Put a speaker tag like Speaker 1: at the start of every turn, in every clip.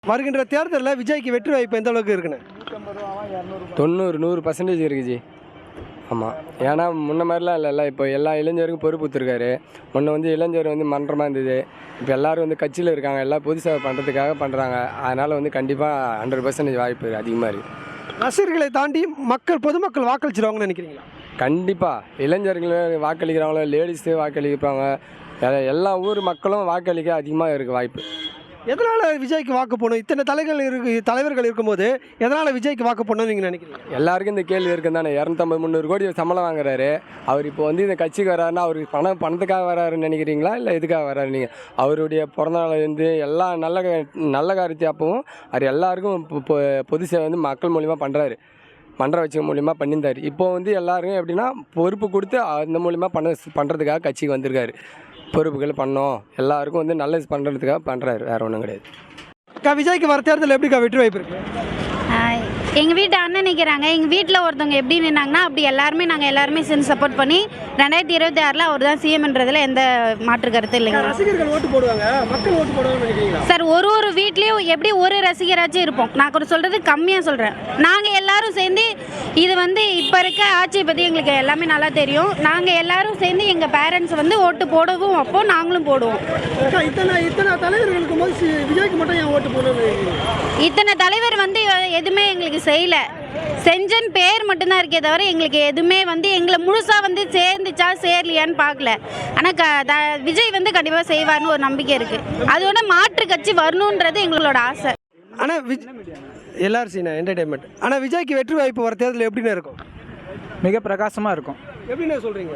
Speaker 1: வருகின்ற தேர்தலில் விஜய்க்கு வெற்றி வாய்ப்பு எந்த அளவுக்கு இருக்குன்னு?
Speaker 2: 90-100% இருக்குது ஜி. ஆமாம், ஏன்னா முன்ன மாதிரிலாம் இல்லைல்ல. இப்போ எல்லா இளைஞருக்கும் பொறுப்பு கொடுத்துருக்காரு. முன்ன வந்து இளைஞர் வந்து மன்றமாக இருந்தது. இப்போ எல்லோரும் வந்து கட்சியில் இருக்காங்க, எல்லாம் பொது சேவை பண்ணுறதுக்காக பண்ணுறாங்க. அதனால் வந்து கண்டிப்பாக 100% வாய்ப்பு அதிகமாக இருக்குது.
Speaker 1: ரசிகர்களை தாண்டி பொதுமக்கள் வாக்களிச்சிருவாங்கன்னு நினைக்கிறீங்களா?
Speaker 2: கண்டிப்பாக இளைஞர்கள் வாக்களிக்கிறாங்களோ, லேடிஸு வாக்களிப்பாங்க, எல்லா ஊர் மக்களும் வாக்களிக்க அதிகமாக இருக்குது வாய்ப்பு.
Speaker 1: எதனால் விஜய்க்கு வாக்கு போடணும்? இத்தனை தலைவர்கள் இருக்கும்போது எதனால் விஜய்க்கு வாக்கு போடணும்னு நீங்கள் நினைக்கிறீங்க?
Speaker 2: எல்லாருக்கும் இந்த கேள்வி இருக்குது தானே. 250-300 கோடி சம்பளம் வாங்குறாரு அவர். இப்போ வந்து இந்த கட்சிக்கு வராருன்னா அவருக்கு பணத்துக்காக வராருன்னு நினைக்கிறீங்களா, இல்லை எதுக்காக வராரு? நீங்கள் அவருடைய பிறந்தநாள் வந்து எல்லா நல்ல காரியத்தை அப்பவும் அவர் எல்லாருக்கும் பொது சேவை வந்து மக்கள் மூலிமா பண்ணுறாரு. மன்ற வச்சு மூலிமா பண்ணியிருந்தார். இப்போ வந்து எல்லாருக்கும் எப்படின்னா பொறுப்பு கொடுத்து அந்த மூலிமா பண்ணுறதுக்காக கட்சிக்கு வந்திருக்காரு. பொறுப்புகள் பண்ணோம், எல்லாருக்கும் வந்து நல்லது பண்ணுறதுக்காக பண்ணுறாரு, வேறு ஒன்றும் கிடையாது.
Speaker 1: விஜய்க்கு வர தேர்தல் எப்படிக்கா வெற்றி வாய்ப்பு இருக்குது?
Speaker 3: எங்கள் வீட்டு அண்ணன் நிற்கிறாங்க. எங்கள் வீட்டில் ஒருத்தவங்க எப்படி நின்னாங்கன்னா அப்படி நாங்கள் எல்லாருமே சேர்ந்து சப்போர்ட் பண்ணி 2026 அவர் தான் சிஎம்ன்றதில் எந்த மாற்று கருத்து இல்லைங்க.
Speaker 1: ரசிகர்கள் ஓட்டு போடுவாங்க, மக்கள் ஓட்டு போடுவாங்கன்னு நினைக்கிறீங்களா?
Speaker 3: சார், ஒரு வீட்லேயும் எப்படி ஒரு ரசிகராச்சும் இருப்போம். நான் கூட சொல்கிறது கம்மியாக சொல்கிறேன். நாங்கள் எல்லாரும் சேர்ந்து இது வந்து இப்போ இருக்க ஆட்சியை பற்றி எங்களுக்கு எல்லாமே நல்லா தெரியும். நாங்கள் எல்லாரும் சேர்ந்து எங்கள் பேரண்ட்ஸ் வந்து ஓட்டு போடவும் அப்போ நாங்களும் போடுவோம்.
Speaker 1: இத்தனை தலைவர்கள் இருக்கும்போது விஜய்க்கு மட்டும் ஏன் ஓட்டு போடணும்?
Speaker 3: இத்தனை தலைவர் வந்து எதுவுமே எங்களுக்கு செய்யலை. செஞ்சன் பேர் மட்டும்தான் இருக்கே தவிர எங்களுக்கு எதுவுமே வந்து எங்களை முழுசாக வந்து சேர்ந்துச்சா சேரலையான்னு பார்க்கல. ஆனால் விஜய் வந்து கண்டிப்பாக செய்வார்னு ஒரு நம்பிக்கை இருக்குது. அதோட மாற்று கட்சி வரணுன்றது எங்களோட ஆசை.
Speaker 1: ஆனால் எல்லாரும் சீனா என்டர்டைன்மெண்ட். ஆனால் விஜய்க்கு வெற்றி வாய்ப்பு வர தேர்தல் எப்படின்னு இருக்கும்?
Speaker 4: மிக பிரகாசமாக இருக்கும்.
Speaker 1: எப்படின்னு சொல்கிறீங்க?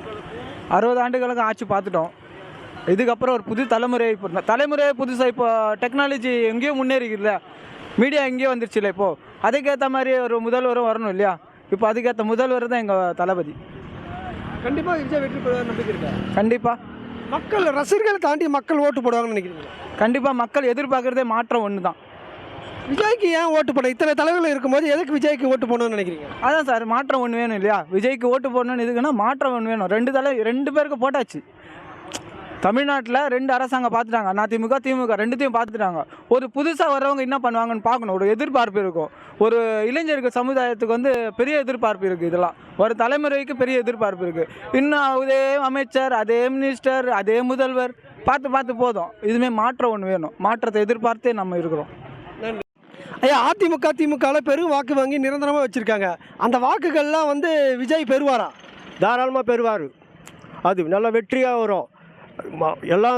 Speaker 4: 60 ஆண்டுகளுக்கு ஆட்சி பார்த்துட்டோம். இதுக்கப்புறம் ஒரு புது தலைமுறை புதுசாக இப்போ டெக்னாலஜி எங்கேயோ முன்னேறிக்குதுல்ல, மீடியா எங்கேயோ வந்துருச்சு இல்லை. இப்போது அதுக்கேற்ற மாதிரி ஒரு முதல்வரும் வரணும் இல்லையா? இப்போ அதுக்கேற்ற முதல்வர் தான் எங்கள் தளபதி.
Speaker 1: கண்டிப்பாக விஜய் வெற்றி பெறுவார் நம்பிக்கை இருக்கா?
Speaker 4: கண்டிப்பாக.
Speaker 1: மக்கள் ரசிகர்களை தாண்டி மக்கள் ஓட்டு போடுவாங்கன்னு நினைக்கிறீங்க?
Speaker 4: கண்டிப்பாக. மக்கள் எதிர்பார்க்குறதே மாற்றம் ஒன்று தான்.
Speaker 1: விஜய்க்கு ஏன் ஓட்டு போட இத்தனை தலைவர்கள் இருக்கும்போது எதுக்கு விஜய்க்கு ஓட்டு போடணும்னு நினைக்கிறீங்க?
Speaker 4: அதான் சார், மாற்றம் ஒன்று வேணும் இல்லையா? விஜய்க்கு ஓட்டு போடணும்னு எதுக்குன்னா மாற்றம் ஒன்று வேணும். ரெண்டு பேருக்கு போட்டாச்சு. தமிழ்நாட்டில் 2 அரசாங்கம் பார்த்துட்டாங்க, அதிமுக திமுக ரெண்டுத்தையும் பார்த்துட்டாங்க. ஒரு புதுசாக வர்றவங்க என்ன பண்ணுவாங்கன்னு பார்க்கணும். ஒரு எதிர்பார்ப்பு இருக்கும். ஒரு இளைஞருக்கு சமுதாயத்துக்கு வந்து பெரிய எதிர்பார்ப்பு இருக்குது. இதெல்லாம் ஒரு தலைமுறைக்கு பெரிய எதிர்பார்ப்பு இருக்குது. இன்னும் அதே அமைச்சர், அதே மினிஸ்டர், அதே முதல்வர் பார்த்து போதும். இதுவுமே மாற்றம் ஒன்று வேணும். மாற்றத்தை எதிர்பார்த்தே நம்ம இருக்கிறோம்.
Speaker 1: ஐயா, அதிமுக திமுகவில் பெரும் வாக்கு வாங்கி நிரந்தரமாக வச்சுருக்காங்க. அந்த வாக்குகள்லாம் வந்து விஜய் பெறுவாரா?
Speaker 5: தாராளமாக பெறுவார். அது நல்ல வெற்றியாக வரும். எல்லாம்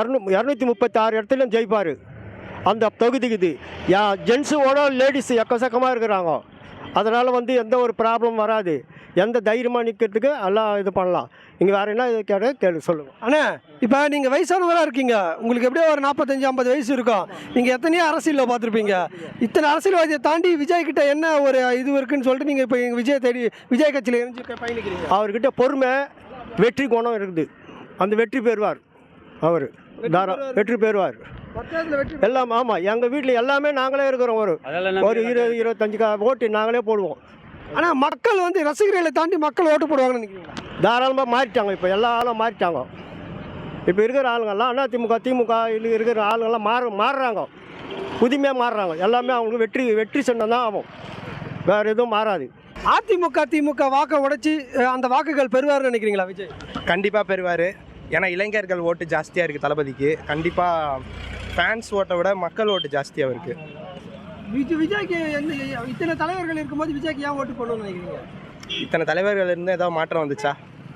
Speaker 5: 236 இடத்துலையும் ஜெயிப்பார். அந்த தொகுதிக்கு இது ஜென்ஸோட லேடிஸ் எக்கச்சக்கமாக இருக்கிறாங்க. அதனால் வந்து எந்த ஒரு ப்ராப்ளம் வராது. எந்த தைரியமாக நிற்கிறதுக்கு எல்லாம் இது பண்ணலாம். இங்கே வேறு என்ன கேள்வி சொல்லுங்கள்.
Speaker 1: ஆனால் இப்போ நீங்கள் வயசானவராக இருக்கீங்க, உங்களுக்கு எப்படியோ ஒரு 45-50 வயசு இருக்கும். நீங்கள் எத்தனையோ அரசியலில் பார்த்துருப்பீங்க. இத்தனை அரசியல்வாதியை தாண்டி விஜய் கிட்ட என்ன ஒரு இது இருக்குன்னு சொல்லிட்டு நீங்கள் இப்போ எங்கள் விஜய் கட்சியில் இருந்து பயணிக்கிறீங்க.
Speaker 5: அவர்கிட்ட பொறுமை, வெற்றி குணம் இருக்குது. அந்த வெற்றி பெறுவார். அவர் வெற்றி பெறுவார் எல்லாம். ஆமாம், எங்கள் வீட்டில் எல்லாமே நாங்களே இருக்கிறோம். ஒரு 20-25 ஓட்டு நாங்களே போடுவோம்.
Speaker 1: ஆனால் மக்கள் வந்து ரசிகர்களை தாண்டி மக்கள் ஓட்டு போடுவாங்கன்னு நினைக்கிறீங்க?
Speaker 5: தாராளமாக மாறிட்டாங்க. இப்போ எல்லா ஆளும் மாறிட்டாங்க. இப்போ இருக்கிற ஆளுங்கள்லாம் திமுக இருக்கிற ஆளுங்கள்லாம் மாறுறாங்க. புதுமையாக மாறுறாங்க. எல்லாமே அவங்களுக்கு வெற்றி சொன்னால் தான் ஆகும். வேறு எதுவும் மாறாது.
Speaker 1: அதிமுக திமுக வாக்கை உடைச்சி அந்த வாக்குகள் பெறுவார்னு நினைக்கிறீங்களா விஜய்?
Speaker 6: கண்டிப்பாக பெறுவார். ஏன்னா இளைஞர்கள் ஓட்டு ஜாஸ்தியாக இருக்குது தளபதிக்கு. கண்டிப்பாக ஃபேன்ஸ் ஓட்டை விட மக்கள் ஓட்டு ஜாஸ்தியாக இருக்குது.
Speaker 1: விஜய்க்கு இத்தனை தலைவர்கள் இருக்கும்போது விஜய்க்கு ஏன் ஓட்டு போடணும்னு நினைக்கிறீங்க?
Speaker 6: இத்தனை தலைவர்கள் இருந்து ஏதாவது மாற்றம் வந்துச்சா?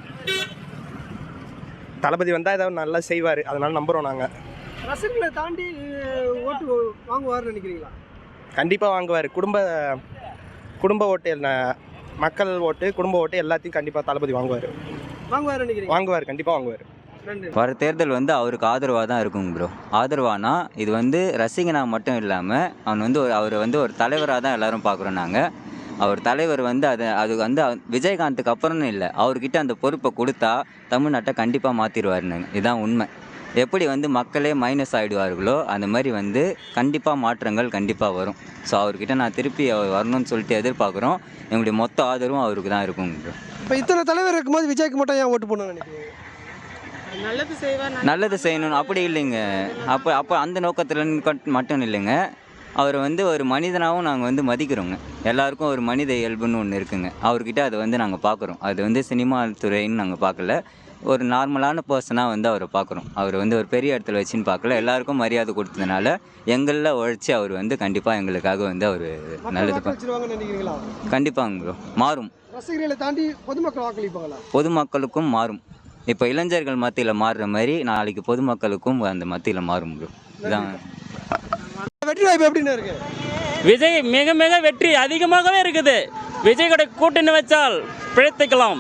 Speaker 6: தளபதி வந்தால் ஏதாவது நல்லா செய்வார், அதனால் நம்புகிறோம் நாங்கள்.
Speaker 1: ரசிகர்களை தாண்டி ஓட்டு வாங்குவார்னு நினைக்கிறீங்களா?
Speaker 6: கண்டிப்பாக வாங்குவார். குடும்ப ஓட்டு, மக்கள் ஓட்டு, குடும்ப ஓட்டு எல்லாத்தையும் கண்டிப்பாக தளபதி வாங்குவார். வாங்குவார், கண்டிப்பாக வாங்குவார்.
Speaker 7: வர தேர்தல் வந்து அவருக்கு ஆதரவாக தான் இருக்குங்க ப்ரோ. ஆதரவானா இது வந்து ரசிகனாக மட்டும் இல்லாமல் அவர் வந்து ஒரு தலைவராக தான் எல்லோரும் பார்க்குறோம் நாங்கள். அவர் தலைவர் வந்து அது வந்து விஜயகாந்துக்கு அப்புறம்னு இல்லை, அவர்கிட்ட அந்த பொறுப்பை கொடுத்தா தமிழ்நாட்டை கண்டிப்பாக மாற்றிடுவாருன்னு. இதுதான் உண்மை. எப்படி வந்து மக்களே மைனஸ் ஆகிடுவார்களோ அந்த மாதிரி வந்து கண்டிப்பாக மாற்றங்கள் கண்டிப்பாக வரும். ஸோ அவர்கிட்ட நான் திருப்பி அவர் வரணும்னு சொல்லிட்டு எதிர்பார்க்குறோம். எங்களுடைய மொத்த ஆதரவும் அவருக்கு தான் இருக்குங்க ப்ரோ.
Speaker 1: இப்போ இத்தனை தலைவர் இருக்கும்போது விஜய்க்கு மட்டும் ஏன் ஓட்டு போடணும்னு நினைக்கிறீங்க?
Speaker 7: நல்லது செய்யணும் அப்படி இல்லைங்க. அப்போ அந்த நோக்கத்தில் மட்டும் இல்லைங்க. அவர் வந்து ஒரு மனிதனாகவும் நாங்கள் வந்து மதிக்கிறோங்க. எல்லாருக்கும் ஒரு மனித இயல்புன்னு ஒன்று இருக்குங்க. அவர்கிட்ட அதை வந்து நாங்கள் பார்க்குறோம். அது வந்து சினிமா துறைன்னு நாங்கள் பார்க்கல, ஒரு நார்மலான பர்சனாக வந்து அவரை பார்க்குறோம். அவர் வந்து ஒரு பெரிய இடத்துல வச்சுன்னு பார்க்கல, எல்லாருக்கும் மரியாதை கொடுத்ததுனால எங்களில் உழைச்சி அவர் வந்து கண்டிப்பாக எங்களுக்காக வந்து அவர் நல்லது
Speaker 1: நினைக்கிறீங்களா?
Speaker 7: கண்டிப்பாங்க ப்ரோ. மாறும்.
Speaker 1: ரசிகர்களை தாண்டி பொதுமக்கள் வாக்களிப்பாங்களா?
Speaker 7: பொதுமக்களுக்கும் மாறும். இப்போ இளைஞர்கள் மத்தியில் மாறுற மாதிரி நாளைக்கு பொதுமக்களுக்கும் அந்த மத்தியில் மாறும் ப்ரோ. இதான்
Speaker 1: வெற்றி வாய்ப்பு எப்படின்னு இருக்கு?
Speaker 8: விஜய் மிக மிக வெற்றி அதிகமாகவே இருக்குது. விஜய் கூட கூட்டணி வச்சால் பிழைத்துக்கலாம்.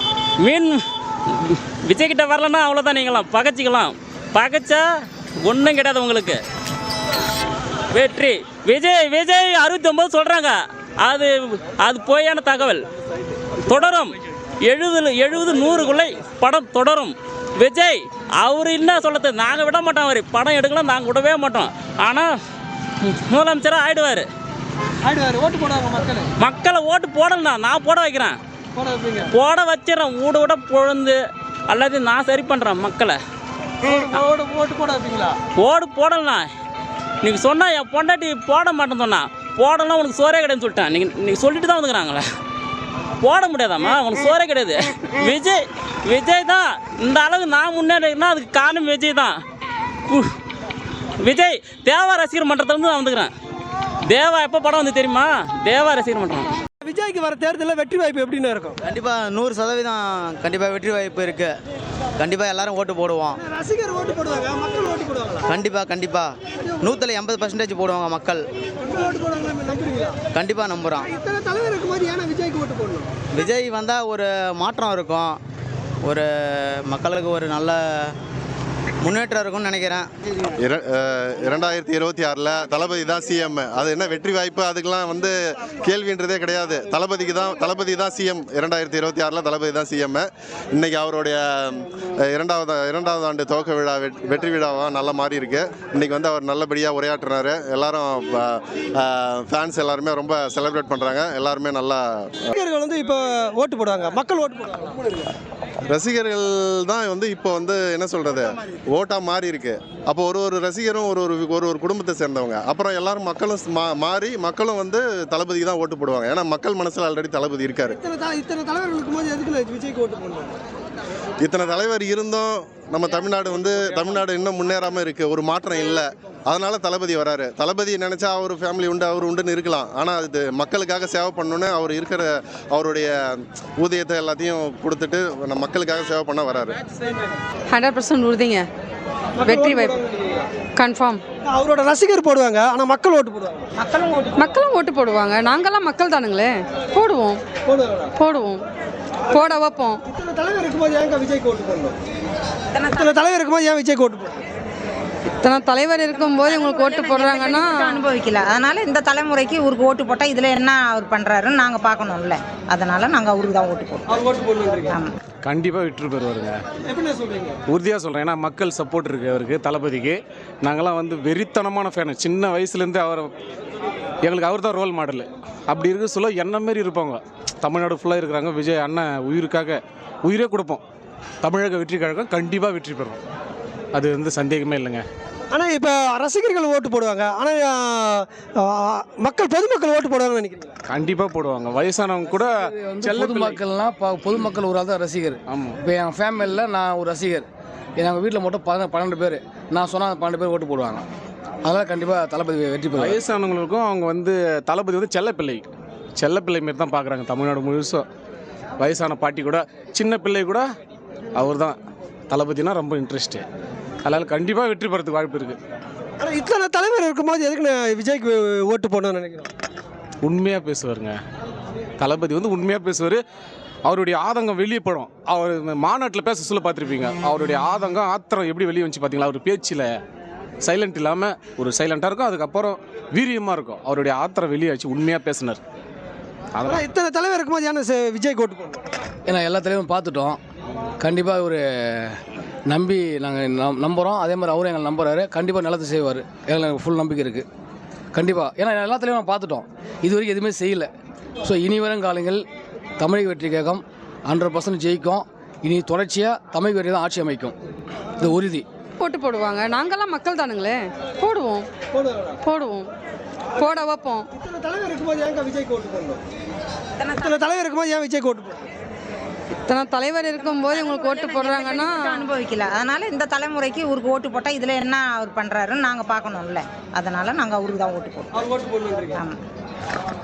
Speaker 8: விஜய் கிட்ட வரலன்னா அவ்வளோதான், நீங்களாம் பகைச்சிக்கலாம். பகைச்சா ஒன்றும் கிடையாது உங்களுக்கு. வெற்றி விஜய் 69 சொல்கிறாங்க. அது பொய்யான தகவல். தொடரும் 70-100க்குள்ளே படம் தொடரும். விஜய் அவர் என்ன சொல்லுறது, நாங்கள் விட மாட்டோம். அவர் படம் எடுக்கலாம், நாங்கள் விடவே மாட்டோம். ஆனால் முதலமைச்சராக ஆயிடுவார்.
Speaker 1: ஓட்டு போடுவாங்க
Speaker 8: மக்களை ஓட்டு போடலண்ணா, நான் போட வைக்கிறேன். போட வச்சிடறேன். ஊட பொழுந்து அல்லது நான் சரி பண்ணுறேன் மக்களை.
Speaker 1: ஓட்டு போட வைப்பீங்களா?
Speaker 8: ஓடு போடலண்ணா. நீங்கள் சொன்னால் என் பொண்டாட்டி போட மாட்டேன்னு சொன்னா, போடலாம் உனக்கு சோறே கிடையாதுன்னு சொல்லிட்டேன். நீங்கள் சொல்லிட்டு தான் வந்துக்கிறாங்களே. போட முடியாதாம்மா, உனக்கு சோறே கிடையாது. விஜய் தான் இந்த அளவுக்கு நான் முன்னேறினா அதுக்கு காரணம் விஜய் தான். விஜய் தேவா ரசிகர் மன்றத்துலேருந்து நான் வந்துக்கிறேன். தேவா எப்போ படம் வந்து தெரியுமா? தேவா ரசிகர் மன்றம்.
Speaker 1: விஜய்க்கு வர தேர்தலில் வெற்றி வாய்ப்பு எப்படின்னு இருக்கும்?
Speaker 9: கண்டிப்பாக 100% கண்டிப்பாக வெற்றி வாய்ப்பு இருக்குது. கண்டிப்பாக எல்லாரும் ஓட்டு போடுவோம்.
Speaker 1: ரசிகர் ஓட்டு போடுவாங்க, மக்கள் ஓட்டு போடுவாங்களா?
Speaker 9: கண்டிப்பாக 180% போடுவாங்க மக்கள்.
Speaker 1: ஓட்டு போடுவாங்களா நம்புறீங்களா?
Speaker 9: கண்டிப்பாக நம்புகிறோம்.
Speaker 1: இத்தனை தலைவர் இருக்கும்போது ஏன்னா விஜய்க்கு ஓட்டு போடணும்?
Speaker 9: விஜய் வந்தால் ஒரு மாற்றம் இருக்கும், ஒரு மக்களுக்கு ஒரு நல்ல முன்னேற்றம் இருக்கும்னு நினைக்கிறேன்.
Speaker 10: 2026 தளபதி தான் சிஎம். அது என்ன வெற்றி வாய்ப்பு, அதுக்கெல்லாம் வந்து கேள்வின்றதே கிடையாது. தளபதி தான் சிஎம். 2026 தளபதி தான் சிஎம். இன்னைக்கு அவருடைய இரண்டாவது ஆண்டு துவக்க விழா வெற்றி விழாவாக நல்ல மாதிரி இருக்கு. இன்னைக்கு வந்து அவர் நல்லபடியாக உரையாற்றினார். எல்லாரும் ஃபேன்ஸ் எல்லாருமே ரொம்ப செலிப்ரேட் பண்ணுறாங்க. எல்லாருமே நல்லா
Speaker 1: ரசிகர்கள் வந்து இப்போ ஓட்டு போடுவாங்க, மக்கள் ஓட்டு போடுவாங்க.
Speaker 10: ரசிகர்கள் தான் வந்து இப்போ வந்து என்ன சொல்கிறது, ஓட்டாக மாறி இருக்கு. அப்போ ஒரு ரசிகரும் ஒரு குடும்பத்தை சேர்ந்தவங்க. அப்புறம் எல்லாரும் மக்களும் மாறி மக்களும் வந்து தளபதிக்கு தான் ஓட்டு போடுவாங்க. ஏன்னா மக்கள் மனசில் ஆல்ரெடி தளபதி இருக்காரு.
Speaker 1: இத்தனை தலைவர்கள் இருக்கும்போது எதுக்கு விஜய்க்கு ஓட்டு போடணும்?
Speaker 10: இத்தனை தலைவர் இருந்தும் நம்ம தமிழ்நாடு இன்னும் முன்னேறாமல் இருக்குது. ஒரு மாற்றம் இல்லை. அதனால தளபதி வராரு. தளபதி நினச்சா அவர் ஃபேமிலி உண்டு, அவர் உண்டுன்னு இருக்கலாம். ஆனால் அது மக்களுக்காக சேவை பண்ணணுன்னு அவர் இருக்கிற அவருடைய ஊதியத்தை எல்லாத்தையும் கொடுத்துட்டு நம்ம மக்களுக்காக சேவை பண்ண வராரு.
Speaker 11: 100% உறுதிங்க. வெற்றி வாய்ப்பு கன்ஃபார்ம்.
Speaker 1: அவரோட ரசிகர் போடுவாங்க, ஆனால் மக்கள் ஓட்டு போடுவாங்க.
Speaker 11: மக்களும் ஓட்டு போடுவாங்க. நாங்கள்லாம் மக்கள் தானுங்களே, போடுவோம் போட வைப்போம்.
Speaker 1: இத்தனை தலைவர் இருக்கும்போது ஏன் விஜய்க்கு ஓட்டு போடணும்? இத்தனை தலைவர் இருக்கும்போது ஏன் விஜய்க்கு ஓட்டு போடணும்?
Speaker 11: இத்தனை தலைவர் இருக்கும்போது உங்களுக்கு ஓட்டு போடுறாங்கன்னா
Speaker 12: அனுபவிக்கல. அதனால இந்த தலைமுறைக்கு இவருக்கு ஓட்டு போட்டால் இதில் என்ன அவர் பண்ணுறாருன்னு நாங்கள் பார்க்கணும்ல. அதனால நாங்கள் அவருக்கு தான் ஓட்டு போடுவோம். ஆமாம்,
Speaker 13: கண்டிப்பாக விட்டு போயிடுவாருங்க.
Speaker 1: எப்படி சொல்றீங்க?
Speaker 13: உறுதியாக சொல்கிறேன். ஏன்னா மக்கள் சப்போர்ட் இருக்குது அவருக்கு, தளபதிக்கு. நாங்கள்லாம் வந்து வெறித்தனமான ஃபேனு. சின்ன வயசுலேருந்து எங்களுக்கு அவர் தான் ரோல் மாடல். அப்படி இருக்க சொல்ல என்ன மாரி இருப்பாங்க. தமிழ்நாடு ஃபுல்லாக இருக்கிறாங்க. விஜய் அண்ணன் உயிரே கொடுப்போம். தமிழக வெற்றி கழகம் கண்டிப்பாக வெற்றி பெறும். அது வந்து சந்தேகமே இல்லைங்க.
Speaker 1: ஆனால் இப்போ ரசிகர்கள் ஓட்டு போடுவாங்க, ஆனால் பொதுமக்கள் ஓட்டு போடுவாங்கன்னு நினைக்கிறீங்க?
Speaker 13: கண்டிப்பாக போடுவாங்க. வயசானவங்க கூட
Speaker 4: பொதுமக்கள்லாம் பொதுமக்கள் ஒரு ஆள் தான் ரசிகர்.
Speaker 13: ஆமாம்.
Speaker 4: இப்போ என் ஃபேமிலியில் நான் ஒரு ரசிகர். எங்கள் வீட்டில் மட்டும் 12 பேர். நான் சொன்னால் 12 பேர் ஓட்டு போடுவாங்க. அதனால் கண்டிப்பாக தளபதி வெற்றி பெறும்.
Speaker 13: வயசானவங்களுக்கும் அவங்க வந்து தளபதி வந்து செல்லப்பிள்ளை மாரி தான் பார்க்குறாங்க. தமிழ்நாடு முழுசும் வயசான பாட்டி கூட சின்ன பிள்ளை கூட அவர் தான் தளபதினா ரொம்ப இன்ட்ரெஸ்ட்டு. அதனால் கண்டிப்பாக வெற்றி பெறதுக்கு வாய்ப்பு இருக்குது.
Speaker 1: ஆனால் இத்தனை தலைவர் இருக்கும்போது எதுக்கு நான் விஜய்க்கு ஓட்டு போடணும்னு நினைக்கிறேன்?
Speaker 13: உண்மையாக பேசுவாருங்க. தளபதி வந்து உண்மையாக பேசுவார். அவருடைய ஆதங்கம் வெளியே படும். அவர் மாநாட்டில் பேச சொல்ல பார்த்துருப்பீங்க. அவருடைய ஆத்திரம் எப்படி வெளியே வந்துச்சு பார்த்தீங்களா? அவர் பேச்சில் சைலண்ட் இல்லாமல் ஒரு சைலண்ட்டாக இருக்கும், அதுக்கப்புறம் வீரியமாக இருக்கும். அவருடைய ஆத்திரம் வெளியே ஆச்சு, உண்மையாக பேசினார்.
Speaker 1: அதனால் இத்தனை தலைவர் இருக்கும்போது ஏன்னா விஜய்க்கு ஓட்டு போடணும்?
Speaker 4: ஏன்னா எல்லா தலைவரும் பார்த்துட்டோம். கண்டிப்பாக ஒரு நம்பி நாங்கள் நம்புகிறோம். அதே மாதிரி அவரும் எங்களை நம்புறாரு. கண்டிப்பாக நல்லது செய்வார். எங்களுக்கு ஃபுல் நம்பிக்கை இருக்குது. கண்டிப்பாக. ஏன்னா எல்லா தலைவரும் பார்த்துட்டோம். இது வரைக்கும் எதுவுமே செய்யலை. ஸோ இனி வரும் காலங்கள் தமிழக வெற்றி கழகம் 100% ஜெயிக்கும்.
Speaker 14: இனி தொடர்ச்சியாக தமிழ் வெறி தான் ஆட்சி அமைக்கும், இது உறுதி.
Speaker 11: ஓட்டு போடுவாங்க, நாங்கெல்லாம் மக்கள் தானுங்களே, போடுவோம் போடுவோம் போட வைப்போம்.
Speaker 1: இத்தனை தலைவர் இருக்கும்போது ஏங்க விஜய்க்கு ஓட்டு போடணும்? இத்தனை தலைவர் இருக்கும்போது ஏன் விஜய்க்கு ஓட்டு போடணும்?
Speaker 11: இத்தனை தலைவர் இருக்கும்போது உங்களுக்கு ஓட்டு போடுறாங்கன்னா
Speaker 12: அனுபவிக்கல, அதனால இந்த தலைமுறைக்கு இவருக்கு ஓட்டு போட்டால் இதில் என்ன அவர் பண்ணுறாருன்னு நாங்கள் பார்க்கணும்ல, அதனால நாங்கள் அவருக்கு தான் ஓட்டு போடுவோம்.
Speaker 1: அவர் ஓட்டு போடணும்.
Speaker 12: ஆமாம்.